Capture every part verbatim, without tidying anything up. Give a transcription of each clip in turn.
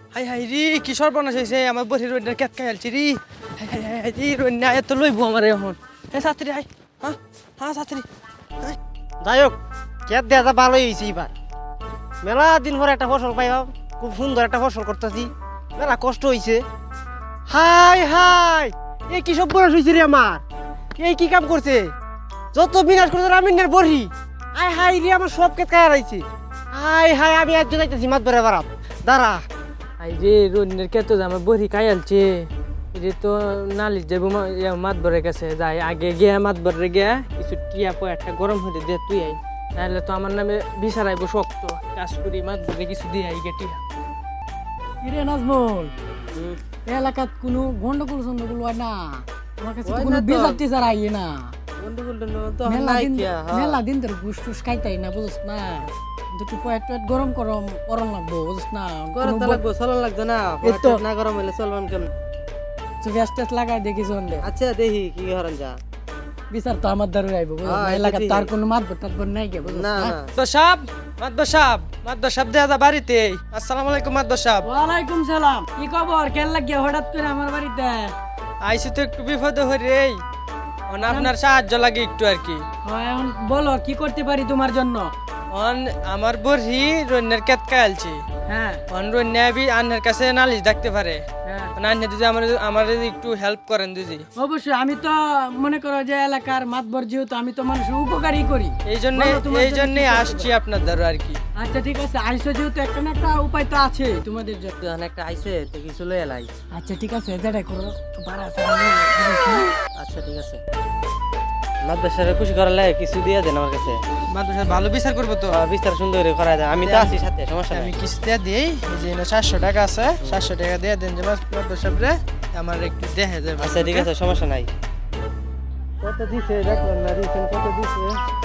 High হাই রি কি সর্বনাশ হয়েছে আমার বসে রোডের কেট খাইলছি রি হাই হাই হাই হাই রি রোড না এত লইবো আমার এখন হ্যাঁ ছাত্রী হাই হ্যাঁ হ্যাঁ ছাত্রী যাই হোক কেট দেওয়া যা ভালোই হয়েছে এবার মেলা দিন পরে একটা ফসল পাইলাম খুব সুন্দর একটা ফসল করতেছি মেলা কষ্ট হয়েছে হাই হাই এই কি সব বয়স হয়েছে রে আমার এই কি কাম করছে যত বিনাশ করছে রামিনের বড়ি হাই হাই রে আমার সব কেট খায় রয়েছে হাই হাই আমি একজন যাইতেছি মাত বেড়ে বাড়াম দাঁড়া হাই রে রোডের কেট আমার বড়ি খাইলছে এটা তো নালিশ যাবো মাত ভরে গেছে যাই আগে গিয়া মাত ভরে গিয়া কিছু টিয়া পো একটা গরম হতে দে তুই আই নাহলে তো আমার নামে বিচারাইবো শক্ত কাজ করি মাত ভরে কিছু দিয়ে আই গে টিয়া কিরে নাজমুল এলাকাত কোনো গন্ডগোল সন্ডগোল হয় না আমার কাছে তো হয় কোনো না তো। বিচার টিচার আইয়ে না গন্ডগোল তো মেলা দিন মেলা দিন তোর ঘুষ টুস খাইতাই না বুঝছ না দুটো পয়েট টয়েট গরম গরম করন লাগবো বুঝছ না গরম তো লাগবো চলন লাগতো না এই তো। না গরম হলে চলবেন কেমন গ্যাস ট্যাস লাগাই দেখি জন্দে আচ্ছা দেখি কি হরন যা বিচার তো আমার দ্বারা আইবো বুঝছ হ্যাঁ, না এটা এলাকাত ঠিক। তার কোনো মাত ভটাত বন নাই গে বুঝছ না না না তো সাহেব মাদ্দ সাহেব মাদ্দ সাহেব দেয়া বাড়িতে আসসালামু আলাইকুম মাদ্দ সাহেব ওয়ালাইকুম সালাম কি খবর কেন লাগিয়া হঠাৎ করে আমার বাড়িতে আইসি তো একটু বিপদে হই রে অন আপনার সাহায্য লাগে একটু আর কি হয় এখন বলো কি করতে পারি তোমার জন্য অন আমার বড়ি রন্যের কেত কালছি হ্যাঁ অন রন্যা বি আন্নার কাছে নালিশ ডাকতে পারে হ্যাঁ আন্না যদি আমার আমার একটু হেল্প করেন দিদি অবশ্যই আমি তো মনে করো যে এলাকার মাতবর যেহেতু আমি তো মানুষের উপকারই করি এই জন্য বলো, তোমার এই জন্য জন্যই কি করতে আসছি আপনার দ্বারা আর কি আচ্ছা ঠিক আছে আইসো যেহেতু একটা না একটা উপায় তো আছে তোমাদের জন্য যখন একটা আইসে তো কিছু লই এলাই আচ্ছা ঠিক আছে যেটা করো বাড়া সারা আচ্ছা ঠিক আছে মাদ্রাসারে খুশি করালে কিছু দিয়ে দেন আমার কাছে মাদ্রাসা ভালো বিচার করবো তো বিচার সুন্দর করে করা যায় আমি তো আছি সাথে সমস্যা নাই আমি কিছু দিয়ে দিই এই যে সাতশো টাকা আছে সাতশো টাকা দিয়ে দেন যে মাদ্রাসা রে আমার একটু দেখে যাবে আচ্ছা ঠিক আছে সমস্যা নাই কত দিছে দেখলাম না রিসেন্ট কত দিছে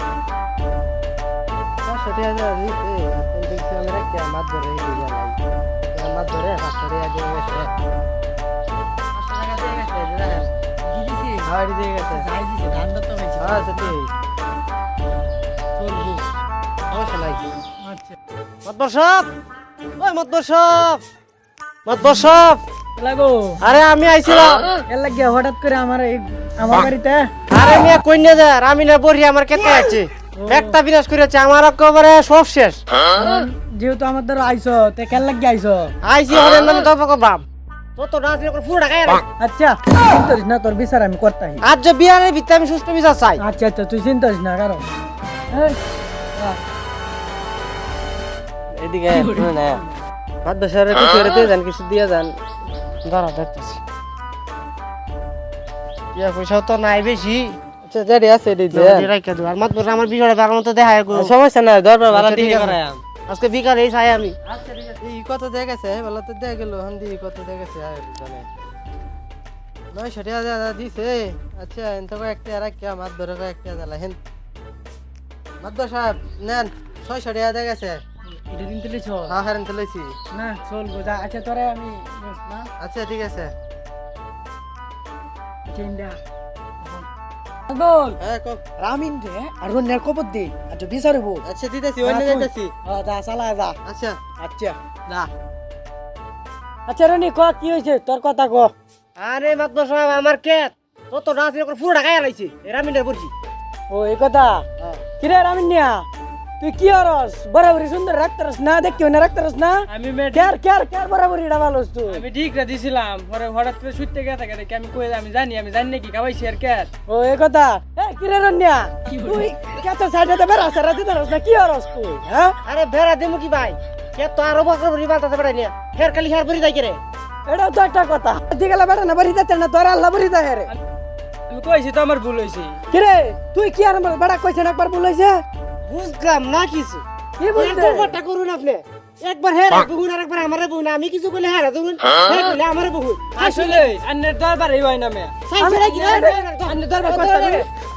সাতশো টাকা দিছে দেখছি আমি রাখি মাছ ধরে দিয়ে যাই মাছ ধরে সাতশো টাকা দিয়ে গেছে পাঁচশো টাকা দিয়ে গেছে দিদিছি হ্যাঁ দিয়ে গেছে যাই দিছে ধানটা তো হয়েছে আচ্ছা ঠিক চলবো সমস্যা নাই আচ্ছা মতবর সাহেব ওই মতবর সাহেব মতবর সাহেব লাগো আরে আমি আইছিলাম এর লাগিয়া হঠাৎ করে আমার এই আমার বাড়িতে আরে মিয়া কইনা যা রামিনা বড়ি আমার কেটে আছে একটা বিনাশ করেছে আমার একেবারে সব শেষ যেহেতু আমার দ্বারা আইসো তে কেন লাগিয়া আইসো আইসি হরের নামে তর্ক বাম তত নাচ করে পুরো ঢাকায় আচ্ছা চিন্তা করিস না তোর বিচার আমি করতাম আজ যে বিয়ারের ভিতরে আমি সুস্থ বিচার চাই আচ্ছা আচ্ছা তুই চিন্তা করিস না কারণ এই, আহ, এদিকে না মাদ্রাসারে কিছু করে দিয়ে যান কিছু দিয়ে যান দাঁড়া দেখতেছি ইয়া পয়সাও তো নাই বেশি আচ্ছা যেটি আছে এটি যদি রাইখা দিও আর মাত্র আমার বিষয়টা ভালো মতো দেখায় গো। সমস্যা নাই দরবার ভালো আচ্ছা, ঠিক দিয়ে আছে। করাই আজকে বিকালে এই চাই আমি আচ্ছা ঠিক আছে এই কত দিয়ে গেছে ভালো তো দিয়ে গেল হান দি কত দিয়ে গেছে আর জানে নয়শো টাকা দিয়ে দিছে আচ্ছা এন তো একটা রাখিয়া মাছ ধরে একটা জ্বালা হেন মাদ্দা সাহেব নেন ছয়শো টাকা দিয়ে গেছে এটা দিন তুলিছ হ্যাঁ হ্যাঁ তুলেছি না চলবো যা আচ্ছা তোরে আমি না আচ্ছা ঠিক আছে আচ্ছা ইন্ডিয়া বল হ্যাঁ কক রামিন রে আর রন্যার কবর দে আচ্ছা বিচারবো আচ্ছা দিতেছি অন্য দিতেছি হ্যাঁ যা চালা যা আচ্ছা আচ্ছা যা আচ্ছা রনি ক কি হয়েছে তোর কথা ক আরে মাত্র সাহেব আমার কেট তত নাচ করে পুরো ঢাকায় লাইছে রামিনের বড়ি ও এই কথা কিরে রামিন নিয়া তুই কি হরস বরাবরি সুন্দর রাখতারস না দেখি না রাখতারস না আমি কেয়ার কেয়ার কেয়ার বরাবরি ডাবালস তুই আমি ঠিক রে দিছিলাম পরে হঠাৎ করে ছুটতে গেছে দেখি আমি কই আমি জানি আমি জানি নাকি খাওয়াইছি আর কে ও এই কথা এ কিরে রন্যা তুই কত সাইডে তে বেরা সারা দিতারস না কি হরস তুই হ্যাঁ আরে বেড়া দিমু কি ভাই কে তো আরো বকর বড়ি বালতাছে বেড়া নিয়া ফের খালি হের বড়ি যাই রে এটাও তো একটা কথা দিগলা বেটা না বাড়ি যাতে না তোর আল্লাহ বাড়ি যায় রে আমি কইছি তো আমার ভুল হইছে কিরে তুই কি আর আমার বেটা কইছেন একবার বলাইছে বুঝলাম না কিছু কি বুঝতে ব্যাপারটা করুন আপনি একবার হের বহুন আর একবার আমারে বহুন আমি কিছু কইলে হের বহুন হে কইলে আমারে বহুন আসলে আন্নের দরবার এই হয় না মে সাইছে কি আন্নে দরবার করতে হবে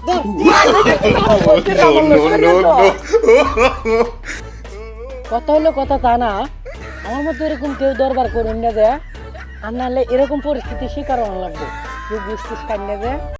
কথা হলো কথা তা না আমার মতো এরকম কেউ দরবার করুন না যে আর নাহলে এরকম পরিস্থিতি শিকার হওয়া লাগবে কেউ বুঝ টুস কান্না যে